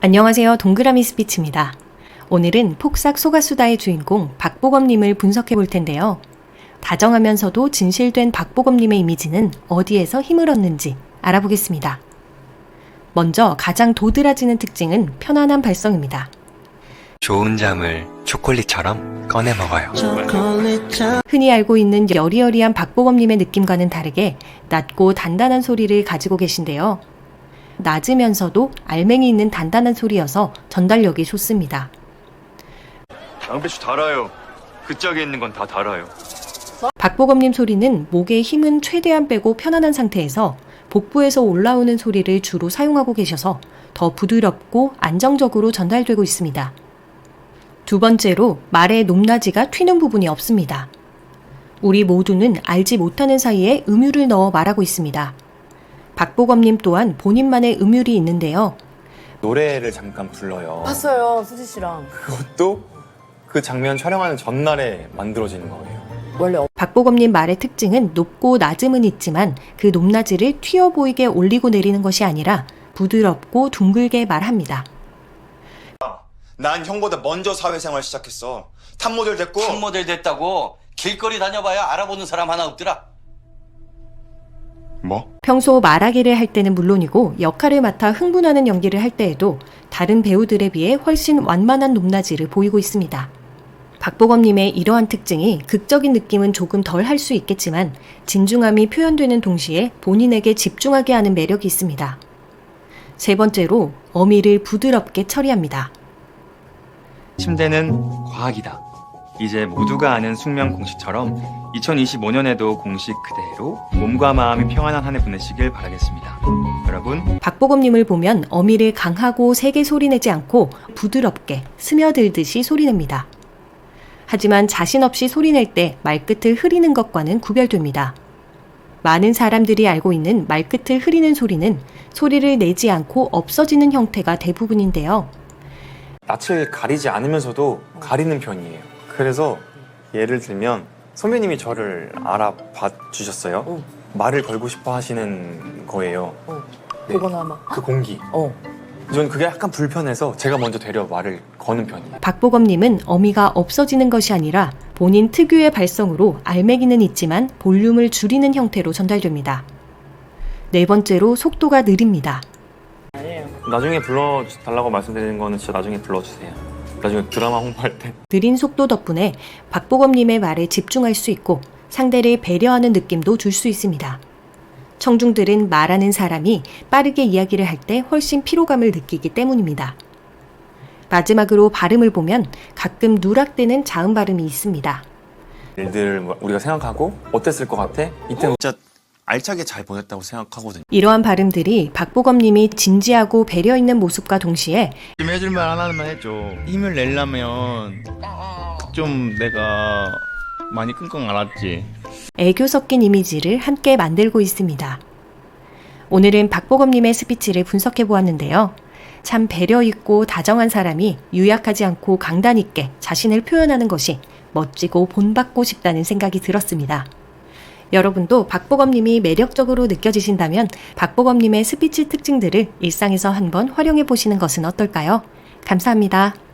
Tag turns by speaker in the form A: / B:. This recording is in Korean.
A: 안녕하세요. 동그라미 스피치입니다. 오늘은 폭삭 소가수다의 주인공 박보검님을 분석해 볼 텐데요. 다정하면서도 진실된 박보검님의 이미지는 어디에서 힘을 얻는지 알아보겠습니다. 먼저 가장 도드라지는 특징은 편안한 발성입니다.
B: 좋은 잠을 초콜릿처럼 꺼내 먹어요.
A: 흔히 알고 있는 여리여리한 박보검님의 느낌과는 다르게 낮고 단단한 소리를 가지고 계신데요. 낮으면서도 알맹이 있는 단단한 소리여서 전달력이 좋습니다.
C: 양배추 달아요. 그 짝에 있는 건 다 달아요.
A: 박보검님 소리는 목의 힘은 최대한 빼고 편안한 상태에서 복부에서 올라오는 소리를 주로 사용하고 계셔서 더 부드럽고 안정적으로 전달되고 있습니다. 두 번째로 말의 높낮이가 튀는 부분이 없습니다. 우리 모두는 알지 못하는 사이에 음유를 넣어 말하고 있습니다. 박보검님 또한 본인만의 음율이 있는데요.
D: 노래를 잠깐 불러요.
E: 봤어요, 수지 씨랑.
D: 그것도 그 장면 촬영하는 전날에 만들어지는 거예요.
E: 원래
A: 박보검님 말의 특징은 높고 낮음은 있지만 그 높낮이를 튀어 보이게 올리고 내리는 것이 아니라 부드럽고 둥글게 말합니다.
F: 난 형보다 먼저 사회생활 시작했어. 탑모델 됐고.
G: 탑모델 됐다고 길거리 다녀봐야 알아보는 사람 하나 없더라.
F: 뭐?
A: 평소 말하기를 할 때는 물론이고 역할을 맡아 흥분하는 연기를 할 때에도 다른 배우들에 비해 훨씬 완만한 높낮이를 보이고 있습니다. 박보검님의 이러한 특징이 극적인 느낌은 조금 덜 할 수 있겠지만 진중함이 표현되는 동시에 본인에게 집중하게 하는 매력이 있습니다. 세 번째로 어미를 부드럽게 처리합니다.
D: 침대는 과학이다. 이제 모두가 아는 숙면 공식처럼 2025년에도 공식 그대로 몸과 마음이 평안한 한 해 보내시길 바라겠습니다. 여러분,
A: 박보검님을 보면 어미를 강하고 세게 소리내지 않고 부드럽게 스며들듯이 소리냅니다. 하지만 자신 없이 소리낼 때 말끝을 흐리는 것과는 구별됩니다. 많은 사람들이 알고 있는 말끝을 흐리는 소리는 소리를 내지 않고 없어지는 형태가 대부분인데요.
D: 낯을 가리지 않으면서도 가리는 편이에요. 그래서 예를 들면 선배님이 저를 알아봐 주셨어요. 말을 걸고 싶어 하시는 거예요. 네.
E: 그거나 막.
D: 그 공기. 저는 그게 약간 불편해서 제가 먼저 되려 말을 거는 편이에요.
A: 박보검님은 어미가 없어지는 것이 아니라 본인 특유의 발성으로 알매기는 있지만 볼륨을 줄이는 형태로 전달됩니다. 네 번째로 속도가 느립니다.
D: 나중에 불러달라고 말씀드리는 거는 진짜 나중에 불러주세요. 나중에 드라마 홍보할 때.
A: 느린 속도 덕분에 박보검님의 말에 집중할 수 있고 상대를 배려하는 느낌도 줄 수 있습니다. 청중들은 말하는 사람이 빠르게 이야기를 할 때 훨씬 피로감을 느끼기 때문입니다. 마지막으로 발음을 보면 가끔 누락되는 자음 발음이 있습니다.
D: 일들 우리가 생각하고 어땠을 것 같아? 이때
F: 진짜 알차게 잘 보냈다고 생각하거든요.
A: 이러한 발음들이 박보검님이 진지하고 배려 있는 모습과 동시에
H: 좀 해줄만 하나만 해줘. 힘을 내려면 좀 내가 많이 끙끙 앓았지.
A: 애교 섞인 이미지를 함께 만들고 있습니다. 오늘은 박보검님의 스피치를 분석해 보았는데요. 참 배려 있고 다정한 사람이 유약하지 않고 강단 있게 자신을 표현하는 것이 멋지고 본받고 싶다는 생각이 들었습니다. 여러분도 박보검님이 매력적으로 느껴지신다면 박보검님의 스피치 특징들을 일상에서 한번 활용해 보시는 것은 어떨까요? 감사합니다.